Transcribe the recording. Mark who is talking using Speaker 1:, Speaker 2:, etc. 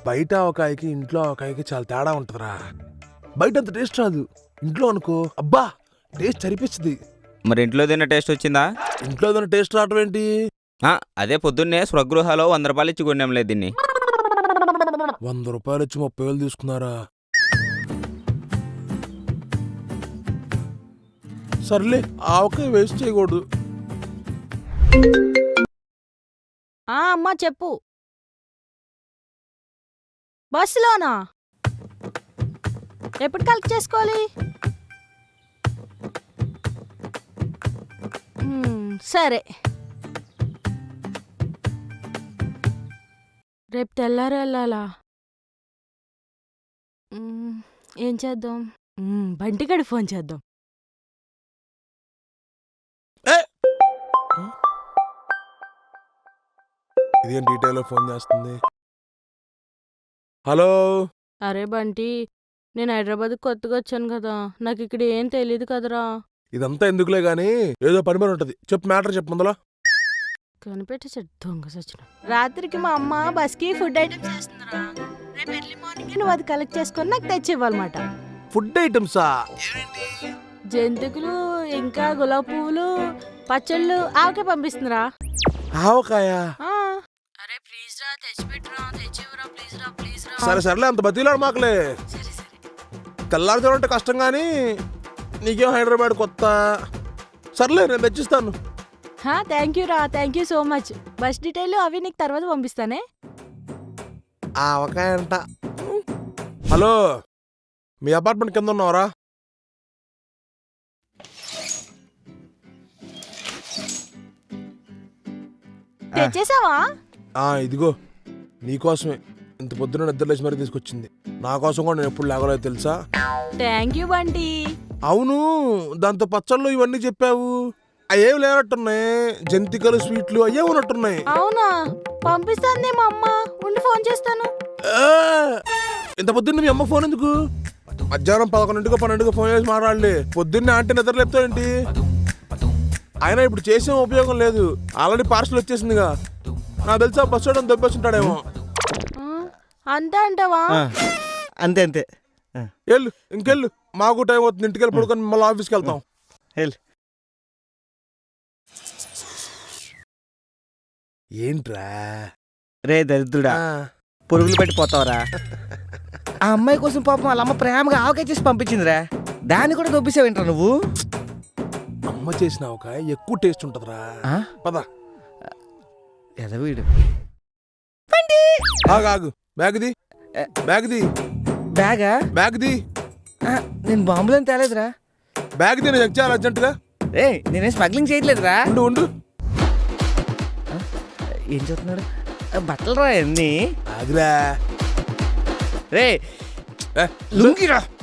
Speaker 1: బయట ఆవకాయకి ఇంట్లో ఆవకాయకి చాలా తేడా ఉంటుందిరా. బయట అంత టేస్ట్ రాదు, ఇంట్లో అనుకో అబ్బా టేస్ట్ సరిపిస్తుంది.
Speaker 2: మరి ఇంట్లో తిన్న టేస్ట్ వచ్చిందా?
Speaker 1: ఇంట్లో ఏదైనా టేస్ట్ రావడం ఏంటి?
Speaker 2: అదే పొద్దున్నే స్వగృహాలో 100 రూపాయలు ఇచ్చి కొన్నాంలే దీన్ని.
Speaker 1: 100 రూపాయలు ఇచ్చి 30,000 తీసుకున్నారా? సర్లే ఆవకాయ వేస్ట్ చేయకూడదు.
Speaker 3: అమ్మా చెప్పు. బస్సులోనా? ఎప్పుడు కలెక్ట్ చేసుకోవాలి? సరే, రేపు తెల్లారి వెళ్ళాలా? ఏం చేద్దాం? బంటిగడి ఫోన్ చేద్దాం.
Speaker 1: ఇదేం డీటెయిల్ ఫోన్ చేస్తుంది? హలో.
Speaker 3: అరే బంటి, నేను హైదరాబాద్ కొత్తగా వచ్చాను కదా, నాకు ఇక్కడ ఏం తెలియదు కదరా.
Speaker 1: ఇదంతా ఎందుకులే గానీ ఏదో పని పని ఉంటది, చెప్పు మ్యాటర్ చెప్పు ముందలా.
Speaker 3: కనిపెట్టేసాడు దొంగ సచిన. రాత్రికి మా అమ్మ బస్కి ఫుడ్ ఐటమ్స్ చేస్తుందిరా. రేపు ఎర్లీ మార్నింగ్ నువ్వు అది కలెక్ట్ చేసుకొని నాకు తెచ్చి ఇవ్వాలన్నమాట.
Speaker 1: ఫుడ్ ఐటమ్సా?
Speaker 3: జంతికలు, ఇంకా గులాబీ పువ్వులు, పచ్చళ్ళు, ఆవకాయ పంపిస్తుందిరా.
Speaker 1: ఆవకాయ?
Speaker 3: అరే ప్లీజ్ రా, తెచ్చిపెట్టురా, తెచ్చివ్వరా, ప్లీజ్ రా, ప్లీజ్ రా.
Speaker 1: సరే సర్లే, అంత బతిలాడు మాకులే. తెల్లారుజామంటే కష్టం కానీ నీకేం హైదరాబాద్ కొత్త. సర్లే నేను తెచ్చిస్తాను.
Speaker 3: థ్యాంక్ యూ రా, thank you so much. Bus detail అవి నీకు తర్వాత పంపిస్తానే.
Speaker 1: ఆవకాయ అంట. హలో, మీ అపార్ట్మెంట్ కింద ఉన్నావరా?
Speaker 3: తెచ్చేసావా?
Speaker 1: ఇదిగో నీకోసమే, ఇంత పొద్దున నిద్రలేసి మరీ తీసుకొచ్చింది. నా కోసం కూడా నేను ఎప్పుడు లేగలేదు తెలుసా.
Speaker 3: Thank you Bunty.
Speaker 1: అవును, దాంతో పచ్చళ్ళు ఇవన్నీ చెప్పావు, అయ్యేవి లేనట్టున్నాయి. జంతికలు, స్వీట్లు అయ్యే ఉన్నట్టున్నాయి.
Speaker 3: అవునా? పంపిస్తాను మా అమ్మ, ఉండి ఫోన్ చేస్తాను.
Speaker 1: ఇంత పొద్దున్న మీ అమ్మ ఫోన్ ఎందుకు? మధ్యాహ్నం 11 12 ఫోన్ చేసి మాట్లాడలే. పొద్దున్నే ఆంటీ నిద్ర లేపుతావేంటి? అయినా ఇప్పుడు చేసే ఉపయోగం లేదు, ఆల్రెడీ పార్సల్ వచ్చేసిందిగా. నాకు తెలుసా బస్ స్టాండ్ దొబ్బేస్తుంటాడేమో.
Speaker 3: అంతే అంటావా?
Speaker 4: అంతే అంతే.
Speaker 1: వెళ్ళు, ఇంకెళ్ళు, మాకు టైం అవుతుంది. ఇంటికి వెళ్ళి పడుకొని మళ్ళీ ఆఫీస్కి వెళ్తాం. ఏంట్రా
Speaker 4: రే దరిద్రుడా, పురుగులు పెట్టిపోతావరా. ఆ అమ్మాయి కోసం పాపం వాళ్ళ అమ్మ ప్రేమగా ఆవకాయ చేసి పంపించిందిరా, దాన్ని కూడా దొబ్బేసావేంట్రా నువ్వు?
Speaker 1: అమ్మ చేసిన ఆవకాయ ఎక్కువ టేస్ట్ ఉంటదిరా. పద.
Speaker 4: ఎదవీడు.
Speaker 1: ఆగు, బ్యాగ్ది బ్యాగ్ది
Speaker 4: బ్యాగా?
Speaker 1: బ్యాగ్ది.
Speaker 4: నేను బాంబులను తేలేదురా.
Speaker 1: బ్యాగ్ది నేను చెక్ చేయాలి అర్జెంటుగా.
Speaker 4: రే నేనేం స్మగ్లింగ్ చేయట్లేదురా.
Speaker 1: ఉండు.
Speaker 4: ఏం చెప్తున్నాడు? బట్టలు రా అన్నీ.
Speaker 1: ఆగురా.
Speaker 4: రే లుంగిరా.